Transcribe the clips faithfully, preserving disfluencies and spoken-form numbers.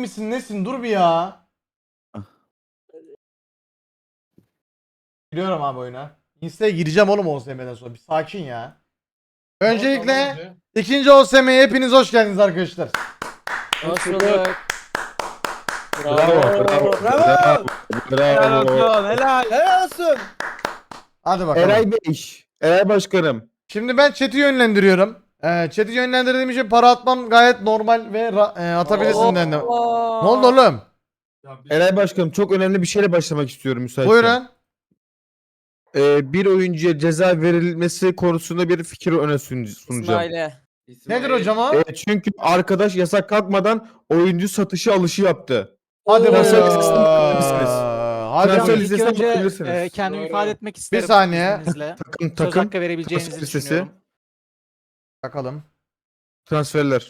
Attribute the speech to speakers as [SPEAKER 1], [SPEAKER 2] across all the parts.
[SPEAKER 1] misin nesin dur bir ya. Giriyorum abi oyuna. Insta'ya gireceğim oğlum O S M'den sonra. Bir sakin ya. Öncelikle ikinci O S M'ye hepiniz hoş geldiniz arkadaşlar.
[SPEAKER 2] Hoş bulduk.
[SPEAKER 3] Bravo, bravo,
[SPEAKER 2] Bravo. Helal
[SPEAKER 3] bravo.
[SPEAKER 2] olsun. Helal. Helal olsun.
[SPEAKER 1] Hadi bakalım.
[SPEAKER 3] Eray Bey, Eray Başkanım.
[SPEAKER 1] Şimdi ben chat'i yönlendiriyorum. Ee, chat'i yönlendirdiğim için para atmam gayet normal ve ra- e, atabilirsin dedim. Ne oldu oğlum?
[SPEAKER 3] Eray Başkanım çok önemli bir şeyle başlamak istiyorum müsaitsen.
[SPEAKER 1] Buyurun.
[SPEAKER 3] Ee, bir oyuncuya ceza verilmesi konusunda bir fikir öne sun- sunacağım.
[SPEAKER 2] İsmail'e.
[SPEAKER 1] Nedir hocam o?
[SPEAKER 3] Ee, çünkü arkadaş yasak kalkmadan oyuncu satışı alışı yaptı.
[SPEAKER 1] Hadi
[SPEAKER 2] Oo.
[SPEAKER 1] bakalım.
[SPEAKER 3] bakabilirsiniz.
[SPEAKER 1] Hadi
[SPEAKER 3] Transfer
[SPEAKER 1] bakalım.
[SPEAKER 4] İlk
[SPEAKER 3] listesine
[SPEAKER 4] önce
[SPEAKER 3] bakabilirsiniz.
[SPEAKER 4] e, kendimi
[SPEAKER 2] Doğru.
[SPEAKER 4] ifade etmek isterim.
[SPEAKER 1] saniye.
[SPEAKER 4] izninizle.
[SPEAKER 3] Takım
[SPEAKER 4] Söz
[SPEAKER 3] takım
[SPEAKER 4] hakkı verebileceğinizi
[SPEAKER 3] transfer listesi.
[SPEAKER 4] düşünüyorum.
[SPEAKER 1] Bakalım.
[SPEAKER 3] transferler.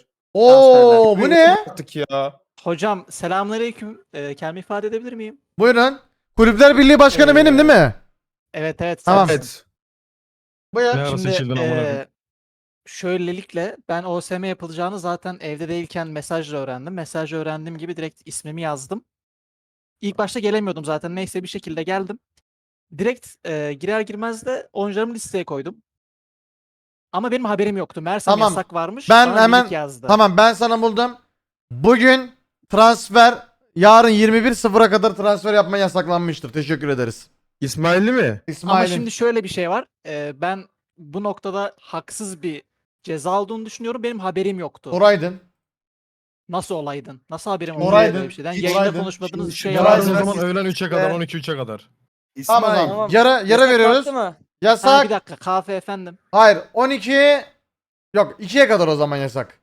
[SPEAKER 1] Oo bu ne?
[SPEAKER 3] Artık ya.
[SPEAKER 4] Hocam selamünaleyküm. E, kendimi ifade edebilir miyim?
[SPEAKER 1] Buyurun. Kulüpler Birliği Başkanı
[SPEAKER 4] Ee,
[SPEAKER 1] benim değil mi?
[SPEAKER 4] Evet evet.
[SPEAKER 1] Tamam.
[SPEAKER 4] sensin.
[SPEAKER 3] Evet.
[SPEAKER 1] Buyur.
[SPEAKER 5] Ne ara
[SPEAKER 4] Şimdi
[SPEAKER 5] seçildin amına koyayım?
[SPEAKER 4] e, şöylelikle ben O S M yapılacağını zaten evde değilken mesajla öğrendim. Mesajla öğrendiğim gibi direkt ismimi yazdım. İlk başta gelemiyordum zaten. Neyse bir şekilde geldim. Direkt e, girer girmez de oyuncularımı listeye koydum. Ama benim haberim yoktu. Meğersem
[SPEAKER 1] Tamam.
[SPEAKER 4] yasak varmış.
[SPEAKER 1] Ben
[SPEAKER 4] bana
[SPEAKER 1] hemen-
[SPEAKER 4] link yazdı.
[SPEAKER 1] Tamam ben sana buldum. Bugün transfer yarın yirmi bir sıfıra kadar transfer yapma yasaklanmıştır. Teşekkür ederiz.
[SPEAKER 3] İsmail'i mi?
[SPEAKER 1] İsmail'in.
[SPEAKER 4] Ama şimdi şöyle bir şey var. Ee, ben bu noktada haksız bir ceza olduğunu düşünüyorum. Benim haberim yoktu.
[SPEAKER 1] Oraydın.
[SPEAKER 4] Nasıl olaydın? Nasıl haberim oldu
[SPEAKER 1] Oraydın.
[SPEAKER 4] böyle bir şeyden?
[SPEAKER 1] Hiç
[SPEAKER 4] Yayında
[SPEAKER 1] oraydın.
[SPEAKER 4] konuşmadığınız
[SPEAKER 6] Şimdi
[SPEAKER 4] bir şey
[SPEAKER 6] şu-
[SPEAKER 5] Yarın
[SPEAKER 1] Yarın
[SPEAKER 5] o
[SPEAKER 4] yaptınız.
[SPEAKER 5] zaman öğlen üçe kadar,
[SPEAKER 6] Ve-
[SPEAKER 5] on iki üçe kadar.
[SPEAKER 1] Tamam o
[SPEAKER 6] İsmail.
[SPEAKER 1] zaman. Yara, yara
[SPEAKER 2] Yasak
[SPEAKER 1] veriyoruz.
[SPEAKER 2] kalktı mı?
[SPEAKER 4] Ha,
[SPEAKER 1] Yasak.
[SPEAKER 4] bir dakika kahve efendim.
[SPEAKER 1] Hayır on iki. Yok ikiye kadar o zaman yasak.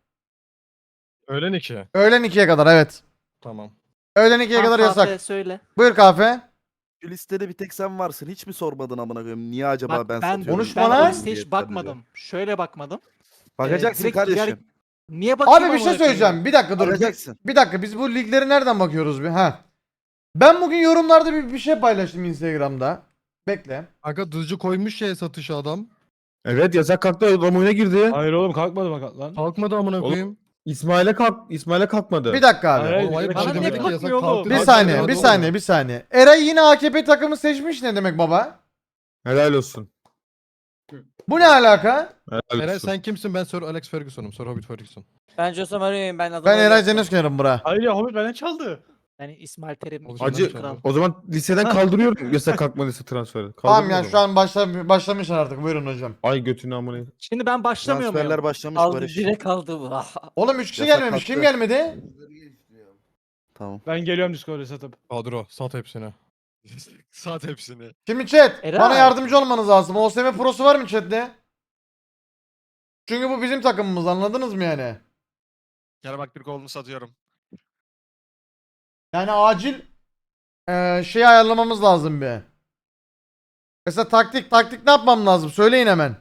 [SPEAKER 5] Öğlen iki.
[SPEAKER 1] Öğlen ikiye kadar evet.
[SPEAKER 5] Tamam.
[SPEAKER 1] Öğlen ikiye
[SPEAKER 4] Tamam,
[SPEAKER 1] kadar
[SPEAKER 4] kahve
[SPEAKER 1] yasak.
[SPEAKER 4] söyle.
[SPEAKER 1] Buyur kahve.
[SPEAKER 6] Şu listede bir tek sen varsın. Hiç mi sormadın amına koyayım? Niye acaba
[SPEAKER 4] Bak
[SPEAKER 6] ben,
[SPEAKER 4] ben,
[SPEAKER 6] satıyorum?
[SPEAKER 1] Konuşma
[SPEAKER 4] ben
[SPEAKER 1] lan.
[SPEAKER 4] o listeye hiç bakmadım. Şöyle bakmadım.
[SPEAKER 6] Bakacaksın
[SPEAKER 4] direkt
[SPEAKER 6] kardeşim.
[SPEAKER 4] girer- Niye bakayım
[SPEAKER 1] Abi bir şey
[SPEAKER 4] amına koyayım?
[SPEAKER 1] söyleyeceğim. Bir dakika dur. Bir,
[SPEAKER 6] Bakacaksın.
[SPEAKER 1] bir dakika biz bu ligleri nereden bakıyoruz bir? Ha. Ben bugün yorumlarda bir, bir şey paylaştım Instagram'da. Bekle.
[SPEAKER 5] Aga dızcı koymuş şeye satışa adam.
[SPEAKER 3] Evet yasak kalktı adam oyuna girdi.
[SPEAKER 7] Hayır oğlum kalkmadı bak lan.
[SPEAKER 5] Kalkmadı amına
[SPEAKER 3] Oğlum,
[SPEAKER 5] koyayım.
[SPEAKER 3] İsmail'e kalk İsmail'e kalkmadı.
[SPEAKER 1] Bir dakika abi.
[SPEAKER 7] Hayır,
[SPEAKER 5] Oğlum hayır bir
[SPEAKER 4] bana
[SPEAKER 5] şey
[SPEAKER 4] niye
[SPEAKER 5] demedik ki yasak
[SPEAKER 4] kalkmıyor oğlum?
[SPEAKER 5] kalktı.
[SPEAKER 1] Bir
[SPEAKER 5] Kalktı,
[SPEAKER 1] saniye,
[SPEAKER 5] hadi
[SPEAKER 1] bir
[SPEAKER 5] oğlum.
[SPEAKER 1] saniye, bir saniye. Eray yine A K P takımı seçmiş ne demek baba?
[SPEAKER 3] Helal olsun.
[SPEAKER 1] Bu ne alaka?
[SPEAKER 3] Helal
[SPEAKER 5] Eray
[SPEAKER 3] olsun.
[SPEAKER 5] sen kimsin? Ben Sir Alex Ferguson'um. Sir Hobbit Ferguson.
[SPEAKER 2] Ben Jose Mario'yum. Ben adamı
[SPEAKER 1] Ben Eray
[SPEAKER 2] öyle-
[SPEAKER 1] Zenosken'im bura.
[SPEAKER 7] Hayır ya Hobbit benden çaldı.
[SPEAKER 4] Yani İsmail Terim.
[SPEAKER 5] Oğlum,
[SPEAKER 3] Acı-
[SPEAKER 4] Kral.
[SPEAKER 3] O zaman liseden kaldırıyorum yasak kalkmadıysa transferi.
[SPEAKER 1] Tamam
[SPEAKER 3] Kaldırın
[SPEAKER 1] yani
[SPEAKER 3] o
[SPEAKER 1] şu
[SPEAKER 3] zaman.
[SPEAKER 1] an başla, başlamışlar artık buyurun hocam.
[SPEAKER 3] Ay götünü amına.
[SPEAKER 4] Şimdi ben başlamıyor
[SPEAKER 6] Transferler
[SPEAKER 4] muyum?
[SPEAKER 6] başlamış
[SPEAKER 2] Aldı
[SPEAKER 6] Barış.
[SPEAKER 2] direkt kaldı bu. Ah.
[SPEAKER 1] Oğlum üç kişi
[SPEAKER 6] Yasak
[SPEAKER 1] gelmemiş. Kim
[SPEAKER 6] kalktı.
[SPEAKER 1] gelmedi?
[SPEAKER 6] Tamam.
[SPEAKER 7] Ben geliyorum Discord'a satıp.
[SPEAKER 5] Kadro sat hepsini. Sat hepsini.
[SPEAKER 1] Şimdi chat
[SPEAKER 4] Eray.
[SPEAKER 1] bana yardımcı olmanız lazım. O S M Pro'su var mı chatte? Çünkü bu bizim takımımız anladınız mı yani?
[SPEAKER 5] Gel bak bir kolunu satıyorum.
[SPEAKER 1] Yani acil eee şey ayarlamamız lazım bir. Mesela taktik taktik ne yapmam lazım? Söyleyin hemen.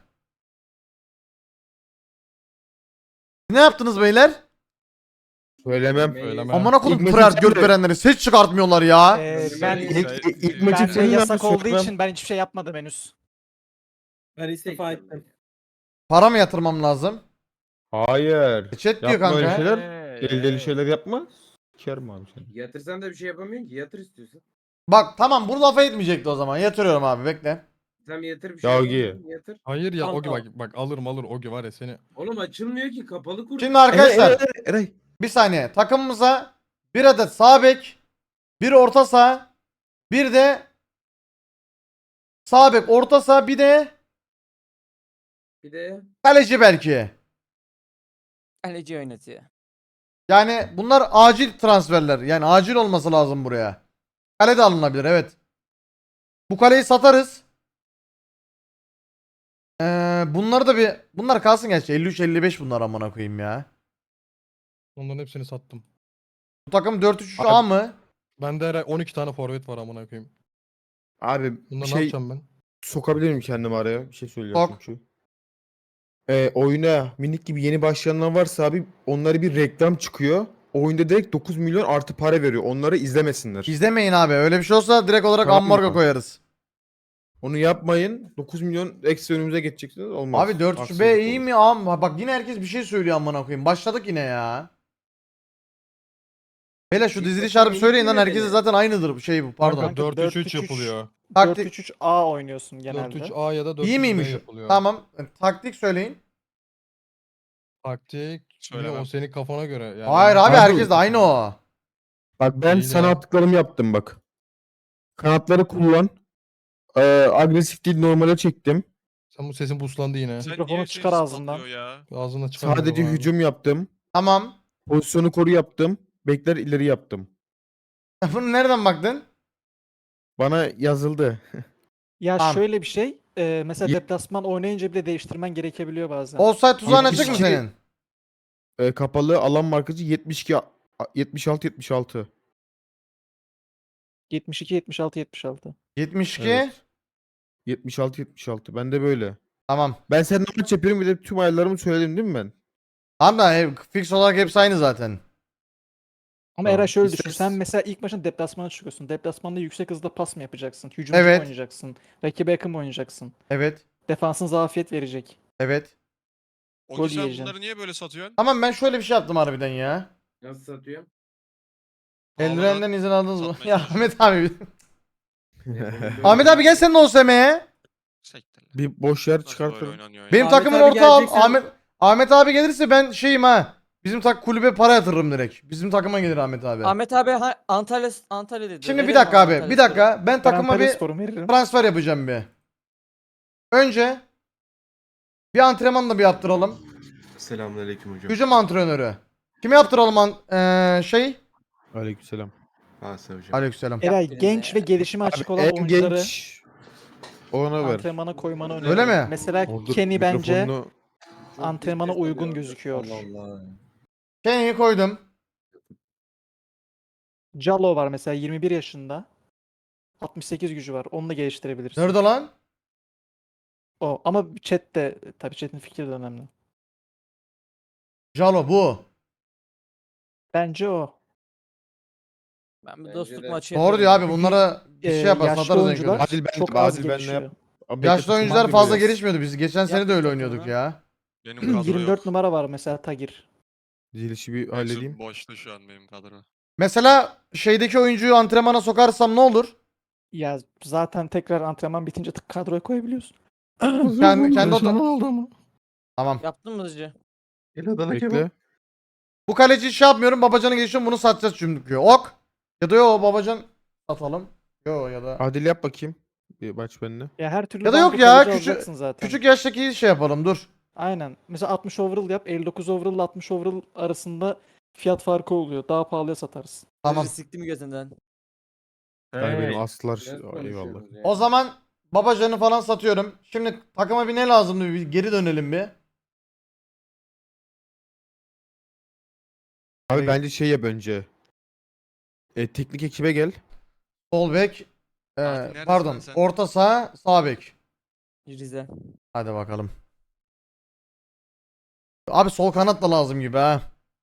[SPEAKER 1] Ne yaptınız beyler?
[SPEAKER 3] Söylemem.
[SPEAKER 5] Söylemem.
[SPEAKER 1] Amına koydum
[SPEAKER 3] İlk
[SPEAKER 1] Pırat
[SPEAKER 3] maçı
[SPEAKER 1] göt
[SPEAKER 3] sen de-
[SPEAKER 1] verenleri ses çıkartmıyorlar ya.
[SPEAKER 4] Ee, ben
[SPEAKER 3] İlk, ilk, ilk
[SPEAKER 4] ben
[SPEAKER 3] maçı
[SPEAKER 4] de
[SPEAKER 3] senin
[SPEAKER 4] yasak
[SPEAKER 3] yapmış,
[SPEAKER 4] olduğu
[SPEAKER 3] söylemem.
[SPEAKER 4] için ben hiçbir şey yapmadım henüz.
[SPEAKER 8] Ben istifa ettim.
[SPEAKER 1] Para mı yatırmam lazım?
[SPEAKER 3] Hayır.
[SPEAKER 1] E chat diyor
[SPEAKER 3] Yapma öyle
[SPEAKER 1] kanka.
[SPEAKER 3] şeyler. Deli deli şeyler yapma. Sikerim abi seni.
[SPEAKER 8] Yatırsan da bir şey yapamıyorsun ki. Yatır istiyorsan.
[SPEAKER 1] Bak tamam bunu lafa etmeyecekti o zaman. Yatırıyorum abi bekle.
[SPEAKER 8] Sen yatır bir şey
[SPEAKER 3] Ya
[SPEAKER 8] yapamıyorsun. Yatır.
[SPEAKER 5] Hayır ya
[SPEAKER 8] Tamam,
[SPEAKER 5] Ogi bak,
[SPEAKER 8] tamam.
[SPEAKER 5] bak alırım alır Ogi var ya seni.
[SPEAKER 8] Oğlum açılmıyor ki. Kapalı kur.
[SPEAKER 1] Şimdi arkadaşlar
[SPEAKER 3] Eray, Eray, Eray.
[SPEAKER 1] bir saniye takımımıza bir adet sağ bek, bir orta saha, bir de sağ bek, orta saha, bir de
[SPEAKER 8] Bir de
[SPEAKER 1] kaleci belki.
[SPEAKER 2] Kaleci oynatıyor.
[SPEAKER 1] Yani bunlar acil transferler. Yani acil olması lazım buraya. Kale de alınabilir evet. Bu kaleyi satarız. Ee, bunları da bir bunlar kalsın gerçi elli üç elli beş bunlar amına koyayım ya.
[SPEAKER 5] Onların hepsini sattım.
[SPEAKER 1] Bu takım dört üç üç A mı?
[SPEAKER 5] Bende Eray on iki tane forvet var amına koyayım.
[SPEAKER 3] Abi bir
[SPEAKER 5] Bunları ne
[SPEAKER 3] şey
[SPEAKER 5] yapacağım ben?
[SPEAKER 3] sokabilir miyim kendimi araya? Bir şey söyleyeceğim
[SPEAKER 1] Sok.
[SPEAKER 3] çünkü. Ee, oyuna minik gibi yeni başlayanlar varsa abi onlara bir reklam çıkıyor. Oyunda direkt dokuz milyon artı para veriyor. Onları izlemesinler.
[SPEAKER 1] İzlemeyin abi. Öyle bir şey olsa direkt olarak
[SPEAKER 3] Tamam
[SPEAKER 1] ambargo
[SPEAKER 3] mı?
[SPEAKER 1] koyarız.
[SPEAKER 3] Onu yapmayın. dokuz milyon eksi önümüze geçeceksiniz. Olmaz.
[SPEAKER 1] Abi dört üç
[SPEAKER 3] Haksızlık
[SPEAKER 1] B iyi
[SPEAKER 3] olur.
[SPEAKER 1] mi? Ama bak yine herkes bir şey söylüyor amına koyayım. Başladık yine ya. Hele şu
[SPEAKER 8] İlk
[SPEAKER 1] diziliş
[SPEAKER 8] başta
[SPEAKER 1] harbi
[SPEAKER 8] minik
[SPEAKER 1] söyleyin lan,
[SPEAKER 8] yine
[SPEAKER 1] herkese
[SPEAKER 8] beni.
[SPEAKER 1] zaten aynıdır bu şey bu pardon.
[SPEAKER 5] Kanka dört üç üç
[SPEAKER 4] dört üç üç
[SPEAKER 5] yapılıyor.
[SPEAKER 1] Taktik-
[SPEAKER 4] dört üç üç A oynuyorsun genelde.
[SPEAKER 5] dört üç A ya da dört üç
[SPEAKER 1] İyi
[SPEAKER 5] B
[SPEAKER 1] miymiş?
[SPEAKER 5] yapılıyor.
[SPEAKER 1] Tamam. Taktik söyleyin.
[SPEAKER 5] Taktik. Yine o senin kafana göre. Yani
[SPEAKER 1] Hayır abi
[SPEAKER 3] Abi-
[SPEAKER 1] herkes de aynı o.
[SPEAKER 3] Bak ben
[SPEAKER 5] İyi
[SPEAKER 3] sana
[SPEAKER 5] de.
[SPEAKER 3] attıklarımı yaptım bak. Kanatları kullan. Ee, agresif değil, normale çektim.
[SPEAKER 5] Sen bu sesin buslandı yine.
[SPEAKER 4] Mikrofonu çıkar ağzından.
[SPEAKER 5] Ağzına çıkar.
[SPEAKER 3] Sadece hücum yaptım.
[SPEAKER 1] Tamam.
[SPEAKER 3] Pozisyonu koru yaptım. Bekler ileri yaptım.
[SPEAKER 1] Bunu nereden baktın?
[SPEAKER 3] Bana yazıldı.
[SPEAKER 4] Ya
[SPEAKER 1] Tamam.
[SPEAKER 4] şöyle bir şey. e, mesela
[SPEAKER 3] Ye-
[SPEAKER 4] deplasman oynayınca bile değiştirmen gerekebiliyor bazen.
[SPEAKER 1] Offside tuzağın açık mı
[SPEAKER 3] yetmiş iki
[SPEAKER 1] senin?
[SPEAKER 3] Ee, kapalı alan markacı yetmiş iki a- yetmiş altı yetmiş altı.
[SPEAKER 4] yetmiş iki yetmiş altı yetmiş altı.
[SPEAKER 1] yetmiş iki.
[SPEAKER 3] Evet. yetmiş altı yetmiş altı. Ben de böyle.
[SPEAKER 1] Tamam.
[SPEAKER 3] Ben seninle maç yapıyorum, bir de tüm ayarlarımı söyledim değil mi ben?
[SPEAKER 1] Tamam da e, fix olarak hepsi aynı zaten.
[SPEAKER 4] Ama
[SPEAKER 3] Tamam.
[SPEAKER 4] Eray şöyle
[SPEAKER 3] İster-
[SPEAKER 4] düşün. Sen mesela ilk maçın deplasmana çıkıyorsun. Deplasmanda yüksek hızda pas mı yapacaksın? Hücumcu
[SPEAKER 1] Evet.
[SPEAKER 4] mu oynayacaksın? Rakibe yakın mı oynayacaksın?
[SPEAKER 1] Evet.
[SPEAKER 4] Defansın zafiyet verecek.
[SPEAKER 1] Evet.
[SPEAKER 4] O Gol sen yiyeceksin. bunları
[SPEAKER 5] niye böyle satıyorsun?
[SPEAKER 1] Tamam ben şöyle bir şey yaptım harbiden ya.
[SPEAKER 8] Nasıl satıyor?
[SPEAKER 1] Eldivenden izin aldınız mı?
[SPEAKER 5] satmaya
[SPEAKER 1] Ya
[SPEAKER 5] çalışıyorum.
[SPEAKER 1] Ahmet abi. Ahmet abi gel sen de O S M'ye.
[SPEAKER 3] Bir boş yer çıkartırım.
[SPEAKER 1] Benim
[SPEAKER 2] Ahmet
[SPEAKER 1] takımın
[SPEAKER 2] abi
[SPEAKER 1] orta al.
[SPEAKER 2] geleceksen-
[SPEAKER 1] Ahmet Ahmet abi gelirse ben şeyim ha. Bizim tak kulübe para yatırırım direkt. Bizim takıma gelir Ahmet abi.
[SPEAKER 2] Ahmet abi ha, Antalya Antalya dedi.
[SPEAKER 1] Şimdi bir
[SPEAKER 2] Verelim
[SPEAKER 1] dakika abi.
[SPEAKER 2] Antalya
[SPEAKER 1] Bir dakika. Ben
[SPEAKER 4] Ben
[SPEAKER 1] takıma
[SPEAKER 4] Antalya
[SPEAKER 1] bir
[SPEAKER 4] Spor'u veririm.
[SPEAKER 1] transfer yapacağım bir. Önce bir antrenman da bir yaptıralım.
[SPEAKER 9] Selamünaleyküm hocam.
[SPEAKER 1] Hücum antrenörü. Kime yaptıralım an eee, şey?
[SPEAKER 3] Aleykümselam.
[SPEAKER 9] Asa hocam.
[SPEAKER 1] Aleykümselam.
[SPEAKER 4] Eray
[SPEAKER 2] Yaptınız
[SPEAKER 4] genç
[SPEAKER 2] ya.
[SPEAKER 4] ve gelişime açık olan
[SPEAKER 3] En
[SPEAKER 4] oyuncuları
[SPEAKER 3] genç ona ver.
[SPEAKER 4] antrenmana koymanı öneririm.
[SPEAKER 1] Öyle mi?
[SPEAKER 4] Mesela
[SPEAKER 3] Orada
[SPEAKER 4] Kenny bence
[SPEAKER 3] mikrofonunu-
[SPEAKER 4] antrenmana uygun gözüküyor.
[SPEAKER 1] Kenny'yi koydum.
[SPEAKER 4] Jallo var mesela yirmi bir yaşında. altmış sekiz gücü var. Onu da geliştirebilirsin.
[SPEAKER 1] Nerede lan?
[SPEAKER 4] O. Ama chat de tabii chat'in fikri de önemli.
[SPEAKER 1] Jalo bu.
[SPEAKER 4] Bence o.
[SPEAKER 2] Ben bir
[SPEAKER 8] Bence
[SPEAKER 2] dostluk
[SPEAKER 8] de.
[SPEAKER 2] maçı
[SPEAKER 1] Doğru diyor abi.
[SPEAKER 2] yapıyorum.
[SPEAKER 1] Bunlara bir şey
[SPEAKER 4] Ee,
[SPEAKER 1] yapar
[SPEAKER 4] yaşlı
[SPEAKER 1] satarız en
[SPEAKER 4] oyuncular
[SPEAKER 1] kötü.
[SPEAKER 3] Adil ben-
[SPEAKER 4] çok az
[SPEAKER 3] Adil benle
[SPEAKER 4] gelişiyor.
[SPEAKER 3] yap- Abi
[SPEAKER 1] Yaşlı
[SPEAKER 3] bekle,
[SPEAKER 1] oyuncular
[SPEAKER 3] tutmam
[SPEAKER 1] fazla
[SPEAKER 3] biraz.
[SPEAKER 1] gelişmiyordu. Biz geçen sene de öyle
[SPEAKER 2] Yapmayacak
[SPEAKER 1] oynuyorduk
[SPEAKER 2] onu.
[SPEAKER 1] ya.
[SPEAKER 5] Benim
[SPEAKER 4] yirmi dört numara var mesela Tagir.
[SPEAKER 3] Dizilişi bir halledeyim.
[SPEAKER 5] Boşta şu an benim kadro.
[SPEAKER 1] Mesela şeydeki oyuncuyu antrenmana sokarsam ne olur?
[SPEAKER 4] Ya zaten tekrar antrenman bitince tık kadroya koyabiliyorsun.
[SPEAKER 1] Kendi, kendi ota-
[SPEAKER 5] oldu ama.
[SPEAKER 1] Tamam.
[SPEAKER 2] Yaptın mı hızlıca?
[SPEAKER 9] El Adana kebap.
[SPEAKER 3] Bekle.
[SPEAKER 1] Bu kaleci şey yapmıyorum. Babacan'ı geçiyorum. Bunu satacağız çünkü. Ok. Ya da yo Babacan satalım. Yo ya da.
[SPEAKER 3] Adil yap bakayım. Bir maç benimle.
[SPEAKER 4] Ya her türlü
[SPEAKER 1] Ya da yok
[SPEAKER 4] banko
[SPEAKER 1] ya,
[SPEAKER 4] kaleci
[SPEAKER 1] küçük-
[SPEAKER 4] alacaksın zaten.
[SPEAKER 1] Küçük yaştaki şey yapalım dur.
[SPEAKER 4] Aynen. Mesela altmış overall yap. elli dokuz overall ile altmış overall arasında fiyat farkı oluyor. Daha pahalıya satarsın.
[SPEAKER 1] Tamam.
[SPEAKER 2] Hızlı sikti mi gözünden?
[SPEAKER 3] Yani benim aslar
[SPEAKER 8] Biraz
[SPEAKER 3] eyvallah.
[SPEAKER 8] konuşuyoruz ya.
[SPEAKER 1] O zaman Babacan'ı falan satıyorum. Şimdi takıma bir ne lazımdı? Bir geri dönelim bir.
[SPEAKER 3] Abi bence şey yap önce. E, teknik ekibe gel.
[SPEAKER 1] Sol bek. e,
[SPEAKER 5] neredesin
[SPEAKER 1] pardon.
[SPEAKER 5] lan sen?
[SPEAKER 1] Orta saha, sağ bek.
[SPEAKER 2] Rize.
[SPEAKER 1] Hadi bakalım. Abi sol kanat da lazım gibi ha.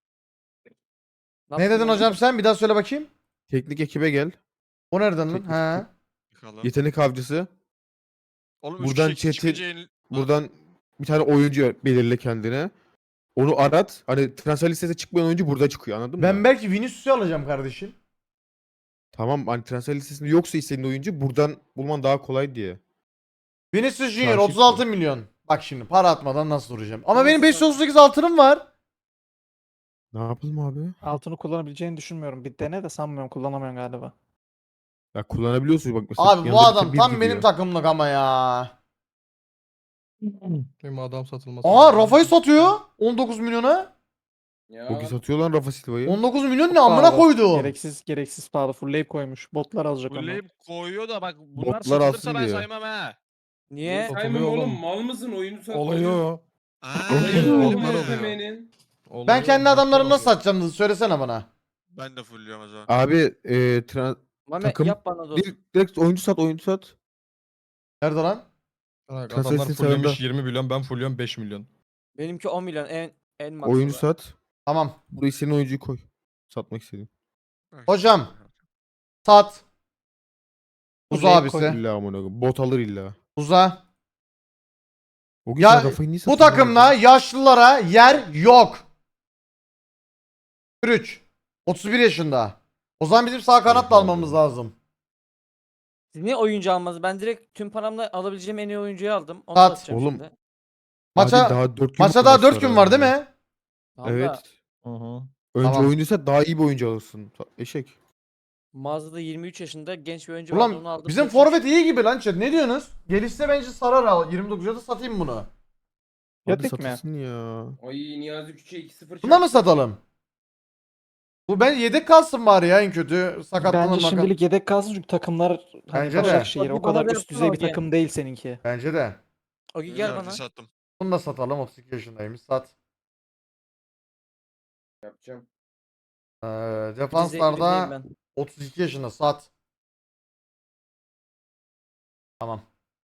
[SPEAKER 1] Ne dedin hocam sen? Bir daha söyle bakayım.
[SPEAKER 3] Teknik ekibe gel.
[SPEAKER 1] O nereden lan?
[SPEAKER 3] Teknik
[SPEAKER 1] He.
[SPEAKER 3] Yetenek avcısı.
[SPEAKER 5] Oğlum
[SPEAKER 3] Buradan chat'i- Buradan bir tane oyuncu belirle kendine. Onu arat. Hani transfer listesine çıkmayan oyuncu burada çıkıyor, anladın mı?
[SPEAKER 1] Ben belki Vinicius'u alacağım kardeşim.
[SPEAKER 3] Tamam, hani transfer listesinde yoksa istediğin oyuncu buradan bulman daha kolay diye.
[SPEAKER 1] Vinicius Junior
[SPEAKER 3] Karşı
[SPEAKER 1] otuz altı milyon. Bak şimdi para atmadan nasıl duracağım. Ama
[SPEAKER 2] Nasıl
[SPEAKER 1] benim beş yüz
[SPEAKER 2] sat-
[SPEAKER 1] otuz sekiz altınım var.
[SPEAKER 3] Ne yapalım abi?
[SPEAKER 4] Altını kullanabileceğini düşünmüyorum. Bir dene de sanmıyorum kullanamıyorum galiba.
[SPEAKER 3] Ya kullanabiliyorsun bak mesela.
[SPEAKER 1] Abi bu
[SPEAKER 3] yanında bir
[SPEAKER 1] adam
[SPEAKER 3] bir
[SPEAKER 1] tam
[SPEAKER 3] gidiyor.
[SPEAKER 1] benim takımlık ama ya.
[SPEAKER 5] Benim adam satılması.
[SPEAKER 1] Aa
[SPEAKER 5] lazım.
[SPEAKER 1] Rafa'yı satıyor. on dokuz milyona.
[SPEAKER 8] Ya,
[SPEAKER 3] Çok iyi satıyor lan Rafa Silva'yı.
[SPEAKER 1] on dokuz milyon ne
[SPEAKER 4] Çok
[SPEAKER 1] amına
[SPEAKER 4] pahalı.
[SPEAKER 1] koydu.
[SPEAKER 4] Gereksiz gereksiz pahalı. Fullleyip koymuş. Botlar alacak onu.
[SPEAKER 5] Fulleyip koyuyor da bak bunlar
[SPEAKER 3] Botlar
[SPEAKER 5] satılırsa
[SPEAKER 3] alsın
[SPEAKER 5] ben
[SPEAKER 3] diyor.
[SPEAKER 5] saymam ha.
[SPEAKER 2] Niye?
[SPEAKER 5] Satılıyor
[SPEAKER 8] Saymam oğlum
[SPEAKER 5] oğlum.
[SPEAKER 8] mal mısın oyunu sat.
[SPEAKER 5] Olayı o.
[SPEAKER 8] Oyunu
[SPEAKER 5] Oğlum,
[SPEAKER 8] oğlum
[SPEAKER 5] var oluyor.
[SPEAKER 8] istemenin.
[SPEAKER 5] Olayı
[SPEAKER 1] Ben
[SPEAKER 5] o,
[SPEAKER 1] kendi
[SPEAKER 5] botlar
[SPEAKER 1] adamlarımı nasıl
[SPEAKER 5] oluyor.
[SPEAKER 1] satacağım hızlı söylesene bana.
[SPEAKER 5] Ben de fullüyorum o zaman.
[SPEAKER 3] Abi e, tra-
[SPEAKER 2] Mame
[SPEAKER 3] Takım-
[SPEAKER 2] yap bana dostluk.
[SPEAKER 3] direkt, direkt oyuncu sat, oyuncu sat.
[SPEAKER 1] Nerede lan?
[SPEAKER 5] Bak,
[SPEAKER 3] Transfer
[SPEAKER 5] adamlar
[SPEAKER 3] listesinde
[SPEAKER 5] fulllemiş yirmi milyon, ben fullüyorum beş milyon.
[SPEAKER 2] Benimki on milyon en en maksimum.
[SPEAKER 3] Oyuncu sat.
[SPEAKER 1] Tamam.
[SPEAKER 3] Buraya istediğin oyuncuyu koy. Satmak istediğin.
[SPEAKER 1] Hocam. Sat. Uza
[SPEAKER 4] Buraya
[SPEAKER 1] abisi.
[SPEAKER 4] koy.
[SPEAKER 3] İlla amına koyayım. Bot alır illa.
[SPEAKER 1] Uza.
[SPEAKER 3] O gün
[SPEAKER 1] Ya,
[SPEAKER 3] sen Rafa'yı niye
[SPEAKER 1] Bu
[SPEAKER 3] satıyorsun
[SPEAKER 1] takımda
[SPEAKER 3] abi?
[SPEAKER 1] yaşlılara yer yok. üç. otuz bir yaşında. O zaman bizim sağ kanat da
[SPEAKER 3] Evet abi.
[SPEAKER 1] almamız lazım.
[SPEAKER 2] Siz niye oyuncu almadınız? Ben direkt tüm paramla alabileceğim en iyi oyuncuyu aldım. Onu
[SPEAKER 1] Sat.
[SPEAKER 2] satacağım
[SPEAKER 3] Oğlum,
[SPEAKER 2] şimdi.
[SPEAKER 1] Maça
[SPEAKER 3] Adil daha dört gün
[SPEAKER 1] maça
[SPEAKER 3] var
[SPEAKER 1] daha
[SPEAKER 3] maç
[SPEAKER 1] dört gün var değil
[SPEAKER 3] arasında.
[SPEAKER 1] mi?
[SPEAKER 2] Tamam da
[SPEAKER 3] Evet.
[SPEAKER 5] Hı hı.
[SPEAKER 3] Önce
[SPEAKER 1] Tamam.
[SPEAKER 3] oyuncuysa daha iyi bir oyuncu alırsın. Ta- Eşek.
[SPEAKER 2] mağazada yirmi üç yaşında genç bir oyuncu vardı, onu
[SPEAKER 1] Ulan
[SPEAKER 2] aldım.
[SPEAKER 1] bizim
[SPEAKER 2] kırk üç.
[SPEAKER 1] forvet iyi gibi lan chat. Ne diyorsunuz? Gelişse bence sarar al. yirmi dokuza da satayım bunu.
[SPEAKER 3] Hadi
[SPEAKER 4] Yatık mı?
[SPEAKER 3] satılsın ya.
[SPEAKER 8] Ay Niyazi Küçük'e iki sıfır
[SPEAKER 1] Buna mı
[SPEAKER 8] çarptı.
[SPEAKER 1] satalım? Bu ben yedek kalsın bari ya en kötü. Sakatlanır
[SPEAKER 4] Bence
[SPEAKER 1] maka-
[SPEAKER 4] şimdilik yedek kalsın çünkü takımlar hani
[SPEAKER 1] Bence de.
[SPEAKER 4] Başakşehir o
[SPEAKER 2] Hadi bana
[SPEAKER 4] kadar
[SPEAKER 2] da
[SPEAKER 4] üst
[SPEAKER 2] yapsana
[SPEAKER 4] düzey bir
[SPEAKER 2] Ogi.
[SPEAKER 4] takım değil seninki.
[SPEAKER 1] Bence de.
[SPEAKER 2] Ogi gel bana.
[SPEAKER 5] sattım.
[SPEAKER 1] Bunu da satalım. otuz iki yaşındaymış. Sat.
[SPEAKER 8] Yapacağım.
[SPEAKER 1] Ee,
[SPEAKER 2] Rize-
[SPEAKER 1] defanslarda
[SPEAKER 2] Rize'yim ben.
[SPEAKER 1] otuz iki yaşında. Sat. Tamam.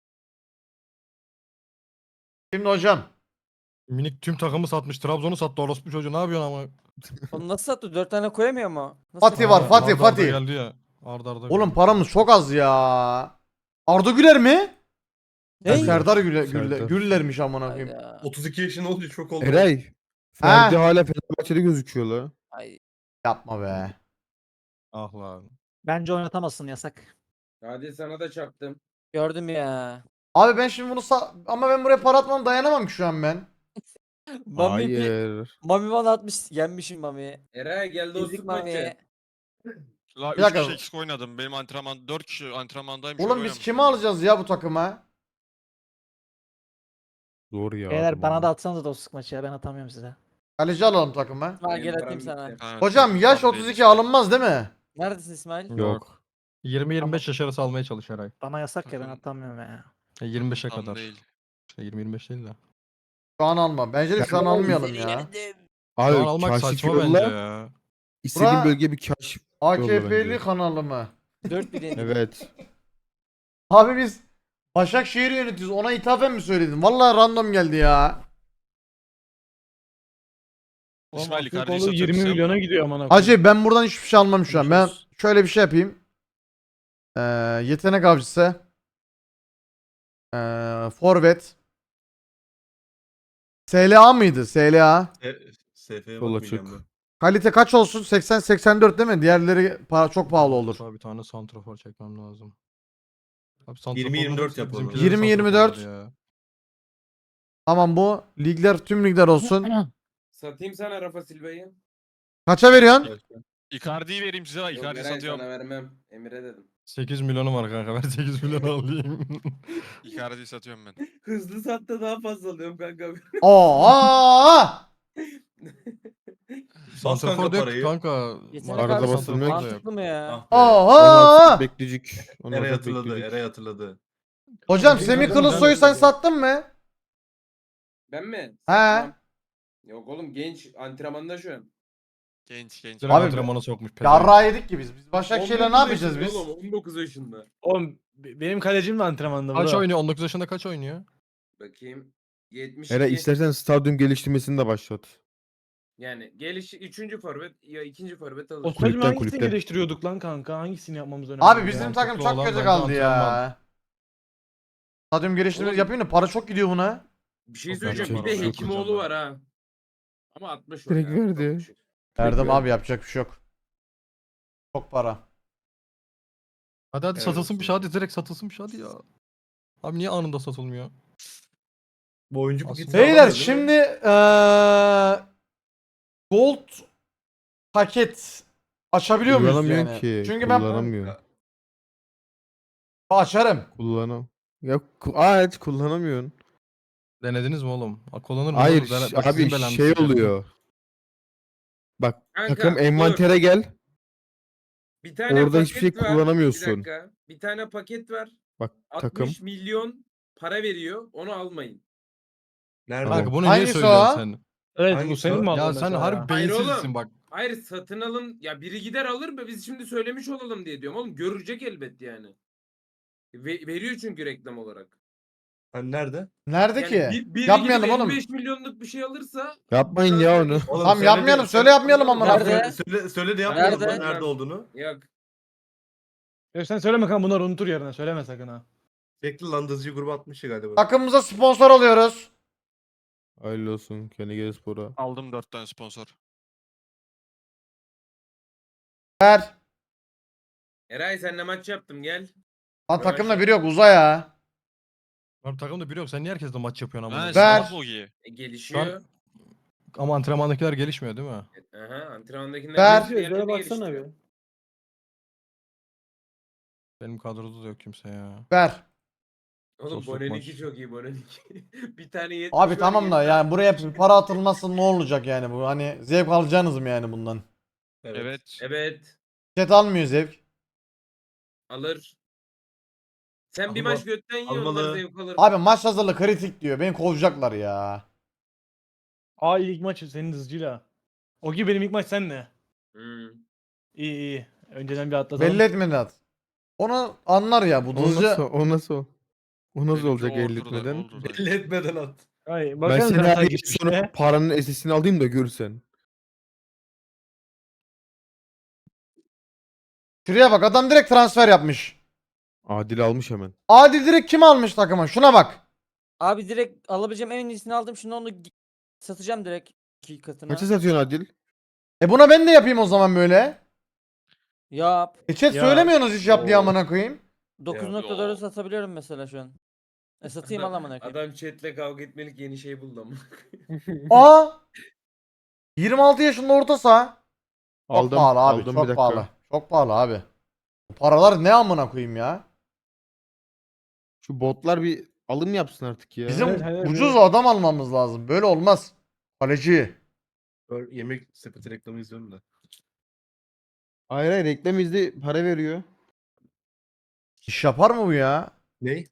[SPEAKER 1] Şimdi hocam.
[SPEAKER 5] Minik tüm takımı satmış. Trabzon'u sattı orospu çocuğu. Ne yapıyorsun ama?
[SPEAKER 2] Onu nasıl sattı? dört tane koyamıyor mu? Nasıl
[SPEAKER 1] Fatih
[SPEAKER 2] sattı?
[SPEAKER 1] var,
[SPEAKER 5] Ha,
[SPEAKER 1] Fatih,
[SPEAKER 5] arda arda
[SPEAKER 1] Fatih.
[SPEAKER 5] geldi ya. Arda arda
[SPEAKER 1] Oğlum
[SPEAKER 5] geldi.
[SPEAKER 1] paramız çok az ya. Arda Güler mi?
[SPEAKER 2] Ne?
[SPEAKER 1] Serdar Güler,
[SPEAKER 3] Serdar.
[SPEAKER 1] Güler, Güller'miş amına koyayım.
[SPEAKER 2] Hayda.
[SPEAKER 9] otuz iki yaşında olunca çok oldu.
[SPEAKER 3] Eray. Ferdi hala Fenerbahçe'de gözüküyor la.
[SPEAKER 2] Ay.
[SPEAKER 1] Yapma be.
[SPEAKER 5] Ah lan.
[SPEAKER 4] Bence oynatamazsın, yasak.
[SPEAKER 8] Hadi sana da çarptım.
[SPEAKER 2] Gördüm ya.
[SPEAKER 1] Abi ben şimdi bunu sa- ama ben buraya para atmam dayanamam ki şu an ben.
[SPEAKER 2] Mami bir...
[SPEAKER 3] Hayır.
[SPEAKER 2] Mami bana atmış. Yenmişim Mami'yi.
[SPEAKER 8] Eray gel
[SPEAKER 2] Ezik
[SPEAKER 8] dostluk maçı.
[SPEAKER 2] Mami'ye.
[SPEAKER 5] La
[SPEAKER 1] Bir
[SPEAKER 5] üç
[SPEAKER 1] dakika.
[SPEAKER 5] kişi eksik oynadım. Benim antrenman dört kişi antrenmandayım.
[SPEAKER 1] Oğlum biz kimi alacağız ya bu takıma?
[SPEAKER 3] Zor ya.
[SPEAKER 4] Beyler
[SPEAKER 3] adam
[SPEAKER 4] bana
[SPEAKER 3] olmak.
[SPEAKER 4] da atsanız dostluk maçı ya, ben atamıyorum size.
[SPEAKER 1] Kaleci alalım takıma.
[SPEAKER 2] Ha
[SPEAKER 8] Benim
[SPEAKER 2] gel
[SPEAKER 8] param
[SPEAKER 2] atayım sana.
[SPEAKER 8] bitti.
[SPEAKER 1] Hocam yaş otuz iki alınmaz değil mi?
[SPEAKER 2] Neredesin İsmail?
[SPEAKER 3] Yok.
[SPEAKER 5] yirmi yirmi beş yaş arası almaya çalış her ay.
[SPEAKER 4] Bana yasak ya, ben
[SPEAKER 5] Takım-
[SPEAKER 4] atamıyorum ya.
[SPEAKER 5] E, yirmi beşe
[SPEAKER 9] Tam
[SPEAKER 5] kadar.
[SPEAKER 9] değil.
[SPEAKER 5] İşte yirmi yirmi beş değil de.
[SPEAKER 1] Şu an alma. Bence de şu an almayalım ya.
[SPEAKER 5] Şu an
[SPEAKER 3] Abi
[SPEAKER 5] almak
[SPEAKER 3] kaşif
[SPEAKER 5] saçma bence
[SPEAKER 3] yolla.
[SPEAKER 5] ya.
[SPEAKER 3] İstediğin
[SPEAKER 1] Bura-
[SPEAKER 3] bölgeye bir kaşif.
[SPEAKER 1] A K F'li
[SPEAKER 3] bence.
[SPEAKER 1] kanalı mı?
[SPEAKER 2] dört bir yenildim.
[SPEAKER 3] Evet.
[SPEAKER 1] Abi biz Başakşehir'i yönetiyoruz. Ona ithafen mi söyledin? Vallahi random geldi ya.
[SPEAKER 7] Oğlum
[SPEAKER 5] İsmail
[SPEAKER 7] Aktürkoğlu
[SPEAKER 5] Icardi'yi
[SPEAKER 7] yirmi
[SPEAKER 5] satıyorsun.
[SPEAKER 7] milyona gidiyor amına koyayım.
[SPEAKER 1] Hacı ben buradan hiçbir şey almam şu an. Ben
[SPEAKER 4] Görüşürüz.
[SPEAKER 1] şöyle bir şey yapayım. Ee, yetenek avcısı. Ee, forvet. S L A mıydı? S L A.
[SPEAKER 9] S F'ye
[SPEAKER 3] Sol
[SPEAKER 9] bakmayacağım
[SPEAKER 3] açık.
[SPEAKER 9] ben.
[SPEAKER 1] Kalite kaç olsun? seksen seksen dört değil mi? Diğerleri pa- çok pahalı olur.
[SPEAKER 5] Abi bir tane santrafor çekmem lazım. Abi santraforlar
[SPEAKER 9] yirmi yirmi dört
[SPEAKER 5] hepsi
[SPEAKER 9] yapalım.
[SPEAKER 5] bizimkilerin
[SPEAKER 1] yirmi yirmi dört.
[SPEAKER 5] santraforları ya.
[SPEAKER 1] Tamam bu. Ligler tüm ligler olsun.
[SPEAKER 8] Satayım sana Rafa Silva'yı.
[SPEAKER 1] Kaça veriyorsun?
[SPEAKER 5] Icardi'yi vereyim size.
[SPEAKER 8] Yok
[SPEAKER 5] Icardi
[SPEAKER 8] Eray
[SPEAKER 5] satıyorum.
[SPEAKER 8] sana vermem. Emir'e dedim.
[SPEAKER 5] sekiz milyonum var kanka. Ver sekiz milyon alayım. Icardi'yi satıyorum ben.
[SPEAKER 8] Hızlı satta daha fazla alıyorum kanka.
[SPEAKER 1] Oo!
[SPEAKER 9] Bas
[SPEAKER 5] Santrafor
[SPEAKER 9] kanka
[SPEAKER 5] da yok
[SPEAKER 9] parayı.
[SPEAKER 5] kanka.
[SPEAKER 2] Yetenek
[SPEAKER 3] Arada
[SPEAKER 2] avcısı
[SPEAKER 3] basılmıyor ki.
[SPEAKER 2] mantıklı mı ya?
[SPEAKER 9] Ah be.
[SPEAKER 1] Oo!
[SPEAKER 3] Bekleyecek. Onu
[SPEAKER 9] Eray
[SPEAKER 3] da
[SPEAKER 9] hatırladı.
[SPEAKER 3] bekleyecek.
[SPEAKER 9] Eray hatırladı.
[SPEAKER 1] Hocam Semih Kılıçsoy'u sen sattın mı?
[SPEAKER 8] Ben mi?
[SPEAKER 1] He.
[SPEAKER 8] Satmam. Yok oğlum genç antrenmanda şu an.
[SPEAKER 5] Genç genç.
[SPEAKER 1] Abi-
[SPEAKER 5] Abi, antrenmana sokmuş. pezevenk.
[SPEAKER 1] Yarra yedik ki biz. Biz Başakşehir'le ne
[SPEAKER 8] on dokuz
[SPEAKER 1] yapacağız
[SPEAKER 8] yaşında
[SPEAKER 1] biz?
[SPEAKER 8] Oğlum, on dokuz yaşında.
[SPEAKER 7] Oğlum be- benim kalecim de antrenmanda.
[SPEAKER 5] Kaç
[SPEAKER 7] bro.
[SPEAKER 5] oynuyor? on dokuz yaşında kaç oynuyor?
[SPEAKER 8] Bakayım. yetmiş
[SPEAKER 3] Eray
[SPEAKER 8] iki.
[SPEAKER 3] istersen stadyum geliştirmesini de başlat.
[SPEAKER 8] Yani geliş üçüncü forvet ya ikinci forvet alır.
[SPEAKER 7] O stadyumu
[SPEAKER 3] Kulüpten,
[SPEAKER 7] hangisini
[SPEAKER 3] kulüpten.
[SPEAKER 7] geliştiriyorduk lan kanka? Hangisini yapmamız önemli?
[SPEAKER 1] Abi
[SPEAKER 7] ya?
[SPEAKER 1] bizim
[SPEAKER 5] mantıklı
[SPEAKER 1] takım çok
[SPEAKER 5] olan
[SPEAKER 1] kötü
[SPEAKER 5] bence
[SPEAKER 1] kaldı ya.
[SPEAKER 5] antrenman.
[SPEAKER 1] Stadyum geliştirmesi
[SPEAKER 8] Oğlum-
[SPEAKER 1] yapayım da para çok gidiyor buna.
[SPEAKER 8] Bir şey
[SPEAKER 5] Çok
[SPEAKER 8] söyleyeceğim.
[SPEAKER 3] bence
[SPEAKER 8] Bir de
[SPEAKER 3] çok
[SPEAKER 8] Hekimoğlu
[SPEAKER 5] hocam
[SPEAKER 8] var ha. Ama altmış o
[SPEAKER 3] Direkt
[SPEAKER 8] ya, çok
[SPEAKER 3] verdi.
[SPEAKER 8] düşük.
[SPEAKER 1] Verdim
[SPEAKER 3] ver.
[SPEAKER 1] abi yapacak bir şey yok. Çok para.
[SPEAKER 5] Hadi hadi
[SPEAKER 9] Evet,
[SPEAKER 5] satılsın bir şey
[SPEAKER 9] olsun.
[SPEAKER 5] hadi direkt satılsın bir şey hadi ya. Abi niye anında satılmıyor?
[SPEAKER 9] Bu oyuncu bu
[SPEAKER 5] Aslında-
[SPEAKER 9] gitse
[SPEAKER 1] Beyler
[SPEAKER 9] alamıyor, değil mi?
[SPEAKER 1] şimdi eee Gold paket açabiliyor muyuz
[SPEAKER 3] Kullanamıyorum
[SPEAKER 1] yani?
[SPEAKER 3] ki.
[SPEAKER 1] Çünkü ben
[SPEAKER 3] Kullanamıyorum.
[SPEAKER 1] açarım.
[SPEAKER 3] Kullanam. Ya ku- Aa, evet kullanamıyorsun.
[SPEAKER 5] Denediniz mi oğlum? Ha, kullanır mı?
[SPEAKER 3] Hayır
[SPEAKER 5] oğlum? Dene-
[SPEAKER 3] ş-
[SPEAKER 5] bak
[SPEAKER 3] abi
[SPEAKER 5] sizin belanızı
[SPEAKER 3] şey
[SPEAKER 5] sikerim.
[SPEAKER 3] oluyor. Bak
[SPEAKER 8] Kanka,
[SPEAKER 3] takım
[SPEAKER 8] dur.
[SPEAKER 3] envantere gel.
[SPEAKER 8] Bir tane
[SPEAKER 3] Orada
[SPEAKER 8] paket
[SPEAKER 3] hiçbir şey
[SPEAKER 8] var.
[SPEAKER 3] kullanamıyorsun.
[SPEAKER 8] Bir dakika. Bir tane paket var.
[SPEAKER 3] Bak
[SPEAKER 8] altmış
[SPEAKER 3] takım.
[SPEAKER 8] milyon para veriyor. Onu almayın.
[SPEAKER 9] Nerede?
[SPEAKER 5] Kanka bunu
[SPEAKER 1] Hangisi
[SPEAKER 5] niye söylüyorsun
[SPEAKER 1] o?
[SPEAKER 5] sen?
[SPEAKER 7] Evet bu
[SPEAKER 9] Hangisi
[SPEAKER 7] senin
[SPEAKER 9] o?
[SPEAKER 7] mi aldın
[SPEAKER 5] Ya sen
[SPEAKER 7] mesela
[SPEAKER 5] harbi
[SPEAKER 7] ya?
[SPEAKER 8] Hayır
[SPEAKER 5] beyinsizsin
[SPEAKER 8] oğlum.
[SPEAKER 5] bak.
[SPEAKER 8] Hayır satın alın. Ya biri gider alır mı? Biz şimdi söylemiş olalım diye diyorum. Oğlum görecek elbet yani. Ve- veriyor çünkü reklam olarak.
[SPEAKER 9] Hani nerede?
[SPEAKER 1] Nerede
[SPEAKER 8] Yani
[SPEAKER 1] ki?
[SPEAKER 8] bir, biri
[SPEAKER 1] Yapmayalım
[SPEAKER 8] gidip
[SPEAKER 1] oğlum.
[SPEAKER 8] elli beş milyonluk bir şey alırsa
[SPEAKER 3] Yapmayın
[SPEAKER 8] bir
[SPEAKER 3] ya
[SPEAKER 8] tane
[SPEAKER 3] onu.
[SPEAKER 8] vermiş-
[SPEAKER 9] Oğlum
[SPEAKER 1] Tamam
[SPEAKER 9] söyle
[SPEAKER 1] yapmayalım.
[SPEAKER 9] de-
[SPEAKER 1] Söyle yapmayalım amına
[SPEAKER 8] Nerede?
[SPEAKER 1] koyayım.
[SPEAKER 9] Söyle, söyle, söyle de yapmayalım
[SPEAKER 2] Nerede?
[SPEAKER 9] lan nerede olduğunu.
[SPEAKER 8] Yok.
[SPEAKER 7] Ya sen söyleme kanka, bunlar unutur yarına, söyleme sakın ha.
[SPEAKER 9] Bekle lan dızcı grubu atmış ya galiba.
[SPEAKER 1] Takımımıza sponsor alıyoruz.
[SPEAKER 3] Hayırlı olsun. Kendi gel spora.
[SPEAKER 5] Aldım dört tane sponsor.
[SPEAKER 1] Ver.
[SPEAKER 8] Eray senle maç yaptım gel.
[SPEAKER 1] Lan takımda biri yok, uza ya.
[SPEAKER 5] Abi takımda biri yok. Sen niye herkesle maç yapıyorsun ama?
[SPEAKER 10] Ha,
[SPEAKER 1] Ver.
[SPEAKER 10] salak Logi.
[SPEAKER 8] E, gelişiyor.
[SPEAKER 5] Ama antrenmandakiler gelişmiyor değil mi?
[SPEAKER 8] Aha antrenmandakiler
[SPEAKER 1] Ver.
[SPEAKER 8] gelişiyor, yerleri geliştiriyor.
[SPEAKER 5] Benim kadroda da yok kimse ya.
[SPEAKER 1] Ver.
[SPEAKER 8] Oğlum
[SPEAKER 5] Sosluk
[SPEAKER 8] Boneniki
[SPEAKER 5] maç.
[SPEAKER 8] çok iyi Boneniki. Bir tane yetmiş
[SPEAKER 1] Abi
[SPEAKER 8] var,
[SPEAKER 1] tamam da
[SPEAKER 8] yetmiş.
[SPEAKER 1] yani buraya bir para atılması ne olacak yani bu? Hani zevk alacaksınız mı yani bundan?
[SPEAKER 9] Evet.
[SPEAKER 10] Evet.
[SPEAKER 8] Evet
[SPEAKER 1] Chat almıyor zevk.
[SPEAKER 8] alır. Sen bir
[SPEAKER 9] Alma-
[SPEAKER 8] maç götten ye onlar
[SPEAKER 9] almalı.
[SPEAKER 8] zevk alır.
[SPEAKER 1] Abi maç hazırlığı kritik diyor. Beni kovacaklar ya.
[SPEAKER 7] Aa ilk maç senin hızcıyla. O gibi benim ilk maç seninle.
[SPEAKER 8] Hmm.
[SPEAKER 7] İyi iyi. Önceden bir atlatalım.
[SPEAKER 1] Belli etmeden at. Onu anlar ya bu
[SPEAKER 3] O nasıl,
[SPEAKER 1] hızlıca.
[SPEAKER 3] o nasıl, o nasıl
[SPEAKER 10] Benimki
[SPEAKER 3] olacak
[SPEAKER 10] order'da,
[SPEAKER 3] elletmeden?
[SPEAKER 10] order'da.
[SPEAKER 9] Belli etmeden at.
[SPEAKER 7] Ay,
[SPEAKER 3] Ben
[SPEAKER 7] bakalım
[SPEAKER 3] seni
[SPEAKER 7] zaten
[SPEAKER 3] her
[SPEAKER 7] geçmişte.
[SPEAKER 3] sonra paranın esesini alayım da görsen.
[SPEAKER 1] Şuraya bak, adam direkt transfer yapmış.
[SPEAKER 3] Adil almış hemen.
[SPEAKER 1] Adil direkt kim almış takıma? Şuna bak.
[SPEAKER 2] Abi direkt alabileceğim en iyisini aldım. Şimdi onu gi- satacağım direkt iki katına.
[SPEAKER 3] Kaça satıyorsun Adil?
[SPEAKER 1] E buna ben de yapayım o zaman böyle.
[SPEAKER 2] Yap.
[SPEAKER 1] E chat
[SPEAKER 7] Ya.
[SPEAKER 1] söylemiyorsunuz hiç yap diye
[SPEAKER 9] Oo.
[SPEAKER 1] amına koyayım.
[SPEAKER 2] dokuz nokta dört'ü satabiliyorum mesela şu an. E satayım al amına koyayım.
[SPEAKER 8] Adam chatle kavga etmelik yeni şey buldu ama.
[SPEAKER 1] Aa! yirmi altı yaşında orta saha. Çok
[SPEAKER 3] Aldım,
[SPEAKER 1] pahalı abi,
[SPEAKER 3] aldım bir
[SPEAKER 1] çok
[SPEAKER 3] dakika.
[SPEAKER 1] pahalı. Çok pahalı abi. Bu paralar ne amına koyayım ya?
[SPEAKER 3] Şu botlar bir alım yapsın artık ya.
[SPEAKER 1] Bizim
[SPEAKER 7] Evet, evet,
[SPEAKER 1] ucuz
[SPEAKER 7] evet.
[SPEAKER 1] adam almamız lazım. Böyle olmaz. Kaleci.
[SPEAKER 9] Böyle yemek sepeti reklamı izliyorum da.
[SPEAKER 3] Hayır hayır, reklam izli para veriyor.
[SPEAKER 1] İş yapar mı bu ya?
[SPEAKER 9] Ney?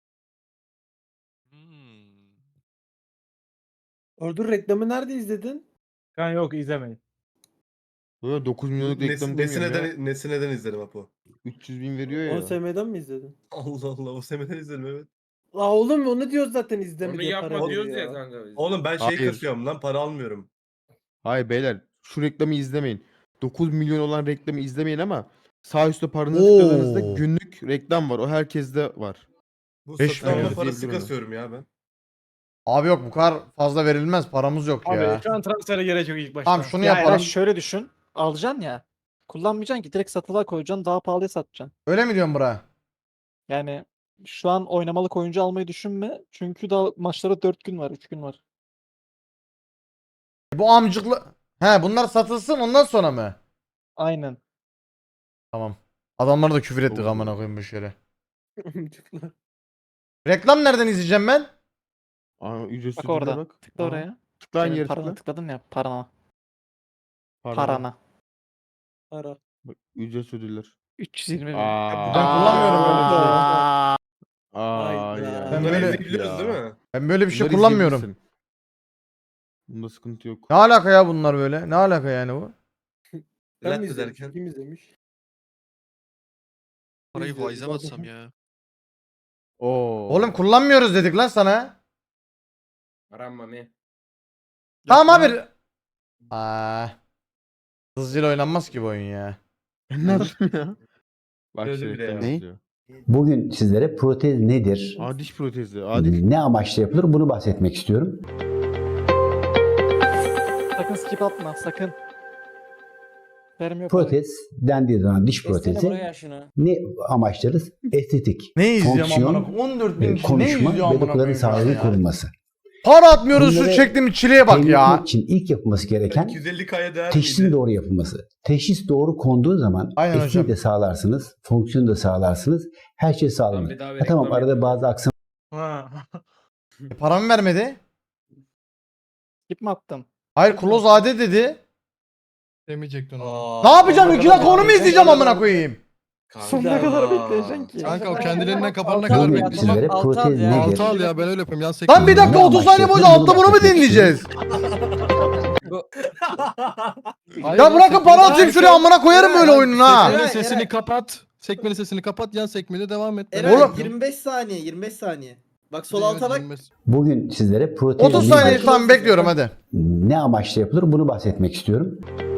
[SPEAKER 10] Hmm.
[SPEAKER 11] Ordur reklamı nerede izledin?
[SPEAKER 7] Kan yok izlemeyin.
[SPEAKER 3] Böyle dokuz milyonluk
[SPEAKER 9] Nesi,
[SPEAKER 3] reklam demiyorum ya.
[SPEAKER 9] nesineden, nesineden izledim Apo.
[SPEAKER 3] üç yüz bin veriyor ya.
[SPEAKER 11] O S M'den mi izledin?
[SPEAKER 9] Allah Allah o semeden izledim evet.
[SPEAKER 11] La oğlum onu diyoruz zaten izleme
[SPEAKER 8] Onu
[SPEAKER 11] diye
[SPEAKER 8] yapma
[SPEAKER 11] para
[SPEAKER 8] diyoruz
[SPEAKER 11] veriyor
[SPEAKER 8] ya kanka biz.
[SPEAKER 9] Oğlum ben şey
[SPEAKER 3] Hayır.
[SPEAKER 9] kasıyorum lan para almıyorum.
[SPEAKER 3] Hayır beyler, şu reklamı izlemeyin. dokuz milyon olan reklamı izlemeyin ama sağ üstte paranızı
[SPEAKER 1] Oo.
[SPEAKER 3] tıkladığınızda günlük reklam var. O herkeste var.
[SPEAKER 9] Bu
[SPEAKER 1] Beş
[SPEAKER 9] satın alma
[SPEAKER 1] milyon
[SPEAKER 9] parası
[SPEAKER 3] diyebilirim ben.
[SPEAKER 9] kasıyorum ya ben.
[SPEAKER 1] Abi yok bu kadar fazla verilmez. Paramız yok
[SPEAKER 7] Abi
[SPEAKER 1] ya.
[SPEAKER 7] şu an transfere gerek yok ilk başta.
[SPEAKER 1] Tamam şunu
[SPEAKER 4] Ya
[SPEAKER 1] yapalım.
[SPEAKER 4] Eray şöyle düşün. Alacaksın ya. Kullanmayacaksın ki direkt satılığa koyacaksın daha pahalıya satacaksın.
[SPEAKER 1] Öyle mi diyorsun bura?
[SPEAKER 4] Yani şu an oynamalık oyuncu almayı düşünme. Çünkü daha maçlara dört gün var, üç gün var.
[SPEAKER 1] Bu amcıklı... He bunlar satılsın ondan sonra mı?
[SPEAKER 4] Aynen.
[SPEAKER 1] Tamam. Adamları da küfür ettik
[SPEAKER 3] Oo.
[SPEAKER 1] amına koyayım bu şöyle. Reklam nereden izleyeceğim ben?
[SPEAKER 3] Aa, ücretsiz
[SPEAKER 4] Bak
[SPEAKER 3] ürüne
[SPEAKER 4] orada.
[SPEAKER 3] bak.
[SPEAKER 4] Tıkla
[SPEAKER 3] Aa,
[SPEAKER 4] oraya.
[SPEAKER 3] Tıkla aynı
[SPEAKER 4] Senin
[SPEAKER 3] yere
[SPEAKER 4] parana
[SPEAKER 3] tıkla.
[SPEAKER 4] tıkladın ya. Parana.
[SPEAKER 3] Parana.
[SPEAKER 4] Parana.
[SPEAKER 11] Para.
[SPEAKER 3] Bak, ücretsiz ödüller.
[SPEAKER 4] üç yüz yirmi bin.
[SPEAKER 3] Aa.
[SPEAKER 1] Ben kullanmıyorum böyle bir şey.
[SPEAKER 4] Aa.
[SPEAKER 3] Aa
[SPEAKER 11] Hayda.
[SPEAKER 3] ya.
[SPEAKER 1] Ben
[SPEAKER 9] Bunları
[SPEAKER 1] böyle-
[SPEAKER 9] izleyebiliyoruz değil mi?
[SPEAKER 1] Ben böyle bir şey
[SPEAKER 3] Bunları
[SPEAKER 1] kullanmıyorum.
[SPEAKER 3] izleyebilirsin. Bunda sıkıntı yok.
[SPEAKER 1] Ne alaka ya bunlar böyle? Ne alaka yani bu?
[SPEAKER 11] Ben
[SPEAKER 9] Lat
[SPEAKER 11] mi izledim?
[SPEAKER 9] ederken.
[SPEAKER 11] Kim izlemiş?
[SPEAKER 10] Parayı
[SPEAKER 11] İzledim,
[SPEAKER 10] faize mi
[SPEAKER 11] zaten.
[SPEAKER 10] atsam ya?
[SPEAKER 3] Oo.
[SPEAKER 1] Oğlum kullanmıyoruz dedik lan sana.
[SPEAKER 8] Aram mami.
[SPEAKER 1] Tamam abi. Aa. Hızlıca oynanmaz ki bu oyun ya.
[SPEAKER 3] Ben ne yaptım ya? Bak
[SPEAKER 9] Öyle
[SPEAKER 3] şey
[SPEAKER 9] bile
[SPEAKER 3] reklam
[SPEAKER 9] ya.
[SPEAKER 3] izliyor.
[SPEAKER 12] Bugün sizlere protez nedir,
[SPEAKER 3] Aa, diş protezi. Adil.
[SPEAKER 12] ne amaçla yapılır bunu bahsetmek istiyorum.
[SPEAKER 4] Sakın skip atma sakın. Verim yok. abi.
[SPEAKER 12] Protez dendiği zaman diş
[SPEAKER 2] Kessene
[SPEAKER 12] protezi
[SPEAKER 2] buraya şunu.
[SPEAKER 12] ne amaçlarız? Estetik,
[SPEAKER 1] Ne izliyorum
[SPEAKER 12] Fonksiyon,
[SPEAKER 1] amına koyayım? on dört bin
[SPEAKER 12] e,
[SPEAKER 1] kişi ne
[SPEAKER 12] konuşma
[SPEAKER 1] izliyor
[SPEAKER 12] ve
[SPEAKER 1] amına
[SPEAKER 12] dokuların
[SPEAKER 1] koyayım şu an
[SPEAKER 12] sağlığının
[SPEAKER 1] ya?
[SPEAKER 12] korunması.
[SPEAKER 1] Para atmıyoruz şu
[SPEAKER 12] Bunları
[SPEAKER 1] çektiğim çileye bak
[SPEAKER 12] Temin
[SPEAKER 1] ya.
[SPEAKER 12] etmek için ilk yapılması gereken
[SPEAKER 9] iki yüz elli K'ya değer
[SPEAKER 12] teşhisin
[SPEAKER 9] miydi?
[SPEAKER 12] doğru yapılması. Teşhis doğru konduğu zaman
[SPEAKER 1] Aynen
[SPEAKER 12] estetiği
[SPEAKER 1] hocam.
[SPEAKER 12] de sağlarsınız, fonksiyonu da sağlarsınız. Her şey
[SPEAKER 8] Lan
[SPEAKER 12] sağlanır.
[SPEAKER 8] bir daha bir
[SPEAKER 12] Ha, tamam
[SPEAKER 8] reklam
[SPEAKER 12] arada
[SPEAKER 8] yapalım.
[SPEAKER 12] bazı aksam
[SPEAKER 7] Ha.
[SPEAKER 1] E, paramı vermedi.
[SPEAKER 4] Skip mi attın?
[SPEAKER 1] Hayır close ade dedi.
[SPEAKER 5] Demeyecektin onu.
[SPEAKER 1] Ne yapacağım? iki dakika onu mu izleyeceğim amına koyayım?
[SPEAKER 4] Sonuna kadar bekleyeceksin ki.
[SPEAKER 5] Kanka o kendiliğinden kapanana
[SPEAKER 4] Tamam,
[SPEAKER 5] kadar
[SPEAKER 12] bugün
[SPEAKER 4] ya,
[SPEAKER 5] bekleyeceksin.
[SPEAKER 12] sizlere
[SPEAKER 2] Altı al
[SPEAKER 12] protez
[SPEAKER 2] ya.
[SPEAKER 12] nedir?
[SPEAKER 5] Altı al ya ben öyle yapayım. Yan sekme.
[SPEAKER 1] Lan bir dakika
[SPEAKER 12] Ne
[SPEAKER 1] otuz saniye
[SPEAKER 12] amaçla
[SPEAKER 1] boyunca
[SPEAKER 12] yapılır
[SPEAKER 1] altta bunu mu
[SPEAKER 12] bahsetmek
[SPEAKER 1] dinleyeceğiz?
[SPEAKER 5] Hayır
[SPEAKER 1] Ya
[SPEAKER 5] lan,
[SPEAKER 1] bırakın
[SPEAKER 5] sekmeli-
[SPEAKER 1] para atayım şuraya amına koyarım böyle oyunun ha.
[SPEAKER 5] Sekmenin sesini kapat. Sekmenin sesini kapat. Yan sekmede devam et.
[SPEAKER 11] Eray
[SPEAKER 1] Oğlum-
[SPEAKER 11] yirmi beş saniye yirmi beş saniye. Bak sol
[SPEAKER 5] Evet,
[SPEAKER 11] alta bak.
[SPEAKER 5] yirmi beş.
[SPEAKER 12] Bugün sizlere protez
[SPEAKER 1] otuz
[SPEAKER 12] nedir,
[SPEAKER 1] saniye tamam bekliyorum hadi.
[SPEAKER 12] ne amaçla yapılır bunu bahsetmek istiyorum.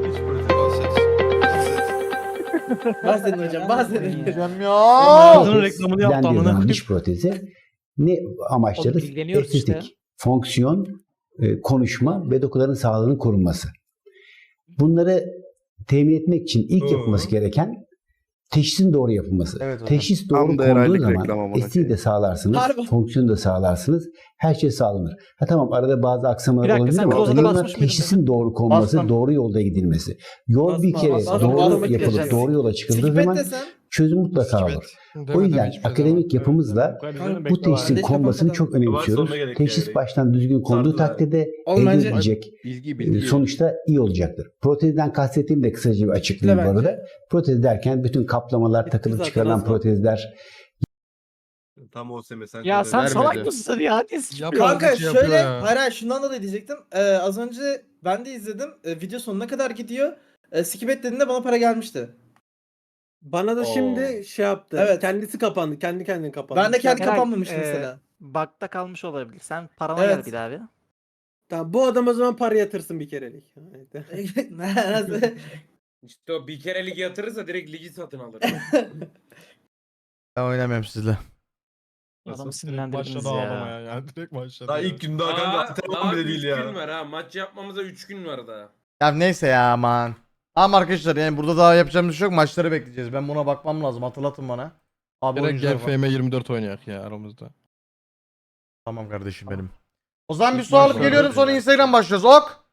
[SPEAKER 11] Bahsedin hocam bahsedin.
[SPEAKER 1] Diyeceğim ya.
[SPEAKER 7] Ağzının
[SPEAKER 12] Protez
[SPEAKER 7] reklamını yaptı
[SPEAKER 12] dendiği
[SPEAKER 7] amına
[SPEAKER 12] zaman
[SPEAKER 7] koyayım.
[SPEAKER 12] diş protezi ne amaçlarız?
[SPEAKER 4] Oğlum ilgileniyoruz
[SPEAKER 12] Estetik,
[SPEAKER 4] işte.
[SPEAKER 12] fonksiyon, e, konuşma ve dokuların sağlığının korunması. Bunları temin etmek için ilk
[SPEAKER 9] Hı.
[SPEAKER 12] yapılması gereken Teşhisin doğru yapılması.
[SPEAKER 1] Evet hocam.
[SPEAKER 12] Teşhis doğru
[SPEAKER 6] Tam da
[SPEAKER 12] konduğu
[SPEAKER 6] herhalde
[SPEAKER 12] zaman
[SPEAKER 6] reklam amına
[SPEAKER 12] estiği de
[SPEAKER 6] koyayım.
[SPEAKER 12] sağlarsınız,
[SPEAKER 11] Harbi.
[SPEAKER 12] fonksiyonu da sağlarsınız. Her şey sağlanır. Ha tamam arada bazı aksamalar
[SPEAKER 4] Bir dakika,
[SPEAKER 12] olabilir
[SPEAKER 4] sen
[SPEAKER 12] ama
[SPEAKER 4] Closet'a
[SPEAKER 12] önemli olan
[SPEAKER 4] basmış mıydın
[SPEAKER 12] teşhisin doğru konması,
[SPEAKER 1] Bastım.
[SPEAKER 12] doğru yolda gidilmesi. Yol bir
[SPEAKER 11] Basma,
[SPEAKER 12] kere
[SPEAKER 11] basma.
[SPEAKER 12] doğru
[SPEAKER 11] Basma,
[SPEAKER 12] yapılıp
[SPEAKER 11] basma.
[SPEAKER 12] doğru yola çıkıldığı
[SPEAKER 11] Skipet
[SPEAKER 12] zaman
[SPEAKER 11] desen.
[SPEAKER 12] çözüm mutlaka olur. O yüzden akademik yapımızla bu teşhisin
[SPEAKER 11] Beş
[SPEAKER 12] konmasını
[SPEAKER 11] kafadan.
[SPEAKER 12] çok önemsiyoruz.
[SPEAKER 9] sonuna gerek
[SPEAKER 12] Teşhis
[SPEAKER 9] yani.
[SPEAKER 12] baştan düzgün konduğu
[SPEAKER 9] Sardılar.
[SPEAKER 12] takdirde
[SPEAKER 11] Oğlum
[SPEAKER 12] elde
[SPEAKER 11] bence-
[SPEAKER 12] edilecek
[SPEAKER 3] Bilgi
[SPEAKER 12] e,
[SPEAKER 3] bilgi.
[SPEAKER 12] sonuçta iyi olacaktır. Protezden kastettiğim de kısaca bir açıklayayım bu
[SPEAKER 11] bence.
[SPEAKER 12] arada. Protez derken bütün kaplamalar,
[SPEAKER 11] Bitti
[SPEAKER 12] takılıp
[SPEAKER 11] zaten,
[SPEAKER 12] çıkarılan
[SPEAKER 11] az var.
[SPEAKER 12] protezler,
[SPEAKER 9] Tam O S M sen
[SPEAKER 4] Ya sen
[SPEAKER 3] vermedi.
[SPEAKER 4] salak mısın ya? Ne sıçıyor?
[SPEAKER 11] Kanka
[SPEAKER 5] şey yapıyor
[SPEAKER 11] şöyle
[SPEAKER 5] ya.
[SPEAKER 11] hayır hayır şundan dolayı diyecektim. Ee, az önce ben de izledim. Ee, video sonuna kadar gidiyor. Ee, skip et dediğinde bana para gelmişti.
[SPEAKER 10] Bana da şimdi şey yaptı.
[SPEAKER 11] Evet.
[SPEAKER 10] Kendisi kapandı. Kendi kendine kapandı.
[SPEAKER 11] Ben de kendi
[SPEAKER 4] Eray,
[SPEAKER 11] kapanmamıştı
[SPEAKER 4] e,
[SPEAKER 11] mesela.
[SPEAKER 4] Bug'da kalmış olabilir. Sen parana
[SPEAKER 11] Evet.
[SPEAKER 4] gel bir daha bir.
[SPEAKER 10] Tamam, bu adam o zaman para yatırsın bir kerelik.
[SPEAKER 11] Nasıl?
[SPEAKER 8] İşte o bir kere ligi yatırırsa direkt ligi satın alır.
[SPEAKER 1] Ben oynamıyorum sizle.
[SPEAKER 4] Adamı
[SPEAKER 5] Direkt
[SPEAKER 4] sinirlendirdiniz
[SPEAKER 5] başladı
[SPEAKER 4] ya.
[SPEAKER 5] ağlamaya ya. Direkt başladı.
[SPEAKER 9] Daha
[SPEAKER 5] ya.
[SPEAKER 9] ilk gün daha kanka
[SPEAKER 8] Daha,
[SPEAKER 9] antrenman
[SPEAKER 8] daha
[SPEAKER 9] bile
[SPEAKER 8] üç
[SPEAKER 9] değil
[SPEAKER 8] gün
[SPEAKER 9] ya.
[SPEAKER 8] var ha. Maç yapmamıza üç gün var daha.
[SPEAKER 1] Ya neyse ya aman. Ama arkadaşlar yani burada daha yapacağımız bir şey yok. Maçları bekleyeceğiz. Ben buna bakmam lazım. Hatırlatın bana. Abi
[SPEAKER 5] Direkt
[SPEAKER 1] oyuncular
[SPEAKER 5] gel
[SPEAKER 1] var.
[SPEAKER 5] F M yirmi dört oynayak ya aramızda.
[SPEAKER 1] Tamam kardeşim benim. O zaman bir
[SPEAKER 5] İlk
[SPEAKER 1] su alıp
[SPEAKER 5] maçlarda
[SPEAKER 1] geliyorum sonra
[SPEAKER 5] yani.
[SPEAKER 1] Instagram başlıyoruz. Ok.